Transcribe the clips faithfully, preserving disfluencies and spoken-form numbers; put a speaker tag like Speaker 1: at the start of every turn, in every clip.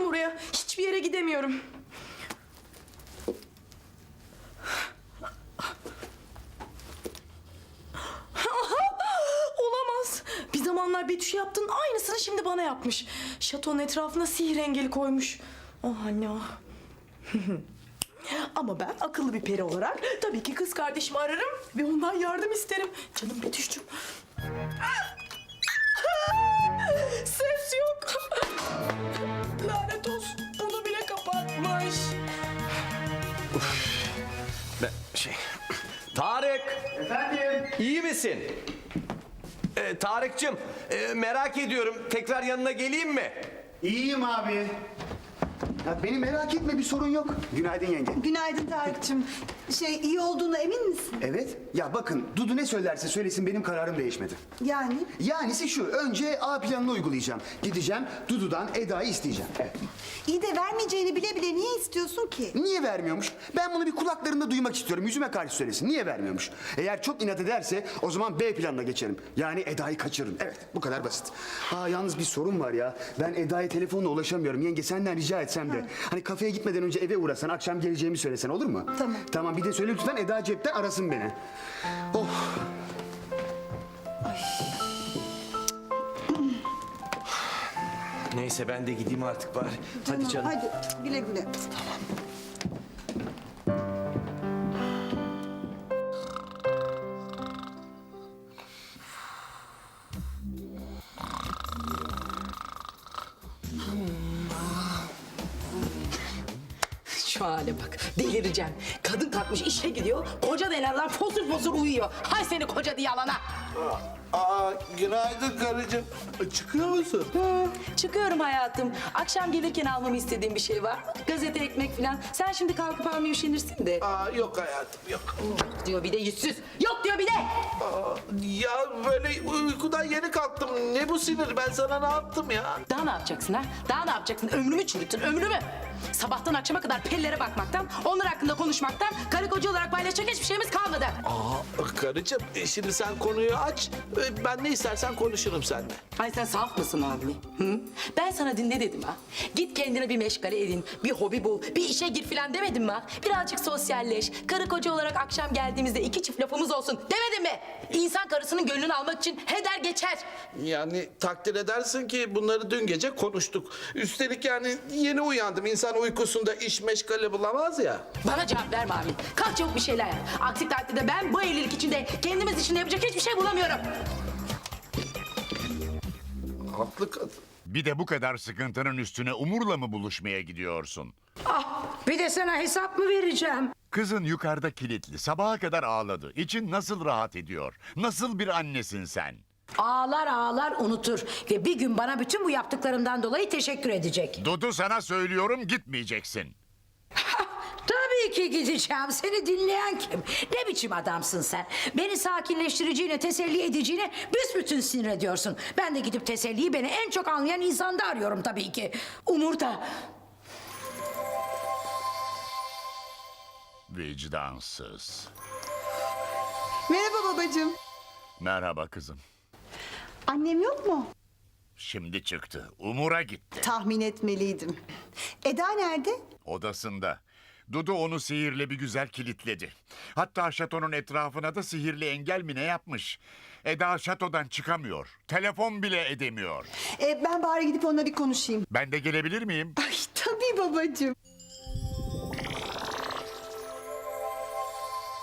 Speaker 1: oraya. Hiçbir yere gidemiyorum. Olamaz. Bir zamanlar Betüş'e yaptığın aynısını şimdi bana yapmış. Şatonun etrafına sihir engeli koymuş. Oh anne oh. Ama ben akıllı bir peri olarak tabii ki kız kardeşimi ararım ve ondan yardım isterim. Canım Betüş'cüğüm. Ses yok. Lanet olsun. Onu bile kapatmış.
Speaker 2: Ben şey... Tarık!
Speaker 3: Efendim?
Speaker 2: İyi misin? Ee, Tarık'cığım e, merak ediyorum. Tekrar yanına geleyim mi?
Speaker 3: İyiyim abi. Ya beni merak etme, bir sorun yok. Günaydın yenge.
Speaker 4: Günaydın Tarık'cığım. Şey, iyi olduğuna emin misin?
Speaker 3: Evet. Ya bakın, Dudu ne söylerse söylesin benim kararım değişmedi.
Speaker 4: Yani?
Speaker 3: Yanisi şu, önce A planını uygulayacağım. Gideceğim, Dudu'dan Eda'yı isteyeceğim. Evet.
Speaker 4: İyi de vermeyeceğini bile bile niye istiyorsun ki?
Speaker 3: Niye vermiyormuş? Ben bunu bir kulaklarında duymak istiyorum. Yüzüme karşı söylesin. Niye vermiyormuş? Eğer çok inat ederse o zaman B planına geçerim. Yani Eda'yı kaçırırım. Evet, bu kadar basit. Aa, yalnız bir sorun var ya. Ben Eda'ya telefonla ulaşamıyorum. Yenge senden rica etsem de. Hani kafeye gitmeden önce eve uğrasan, akşam geleceğimi söylesen olur mu?
Speaker 4: Tamam.
Speaker 3: Tamam, bir de söyle lütfen Eda cepten arasın beni. Oh.
Speaker 2: Neyse ben de gideyim artık bari. Hadi canım.
Speaker 4: Hadi güle güle.
Speaker 1: Şu hale bak. Delireceğim. Kadın kalkmış işe gidiyor. Koca denen lan fosur fosur uyuyor. Hay seni koca diye alana.
Speaker 5: Aa, günaydın karıcığım. Çıkıyor musun?
Speaker 1: Hı, çıkıyorum hayatım. Akşam gelirken almamı istediğin bir şey var mı? Gazete, ekmek falan. Sen şimdi kalkıp almaya üşenirsin de.
Speaker 5: Aa, yok hayatım, yok.
Speaker 1: Yok diyor bir de yüzsüz. Yok diyor bir de.
Speaker 5: Aa, ya böyle uykudan yeni kalktım. Ne bu sinir? Ben sana ne yaptım ya?
Speaker 1: Daha ne yapacaksın ha? Daha ne yapacaksın? Ömrümü çürüttün, ömrümü. Sabahtan akşama kadar pellere bakmaktan, onlar hakkında konuşmaktan, karı koca olarak paylaşacak hiçbir şeyimiz kalmadı.
Speaker 5: Aa, karıcığım, e, şimdi sen konuyu aç. E, Ben ne istersen konuşurum seninle.
Speaker 1: Ay sen saf mısın abi? Hı? Ben sana dinle dedim ha. Git kendine bir meşgale edin, bir hobi bul, bir işe gir filan demedim mi ha? Birazcık sosyalleş, karı koca olarak akşam geldiğimizde iki çift lafımız olsun demedim mi? İnsan karısının gönlünü almak için heder geçer.
Speaker 5: Yani takdir edersin ki bunları dün gece konuştuk. Üstelik yani yeni uyandım. İnsan uykusunda iş meşgale bulamaz ya.
Speaker 1: Bana cevap verme abi. Kalk çabuk bir şeyler yap. Aksi takdirde ben bu evlilik içinde kendimiz için yapacak hiçbir şey bulamıyorum.
Speaker 5: Haklı kadın.
Speaker 6: Bir de bu kadar sıkıntının üstüne Umur'la mı buluşmaya gidiyorsun?
Speaker 7: Ah, bir de sana hesap mı vereceğim?
Speaker 6: Kızın yukarıda kilitli, sabaha kadar ağladı. İçin nasıl rahat ediyor? Nasıl bir annesin sen?
Speaker 7: Ağlar ağlar unutur ve bir gün bana bütün bu yaptıklarımdan dolayı teşekkür edecek.
Speaker 6: Dudu sana söylüyorum gitmeyeceksin.
Speaker 7: Tabii ki gideceğim. Seni dinleyen kim? Ne biçim adamsın sen? Beni sakinleştireceğine, teselli edeceğine büsbütün sinir ediyorsun. Ben de gidip teselliyi beni en çok anlayan insanda arıyorum tabii ki. Umur da.
Speaker 6: Vicdansız.
Speaker 4: Merhaba babacığım.
Speaker 6: Merhaba kızım.
Speaker 4: Annem yok mu?
Speaker 6: Şimdi çıktı. Umur'a gitti.
Speaker 4: Tahmin etmeliydim. Eda nerede?
Speaker 6: Odasında. Dudu onu sihirle bir güzel kilitledi. Hatta şatonun etrafına da sihirli engel mi ne yapmış. Eda şatodan çıkamıyor. Telefon bile edemiyor.
Speaker 4: Ee, ben bari gidip onunla bir konuşayım.
Speaker 6: Ben de gelebilir miyim?
Speaker 4: Ay tabii babacığım.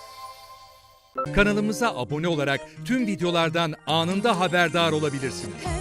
Speaker 8: Kanalımıza abone olarak tüm videolardan anında haberdar olabilirsiniz.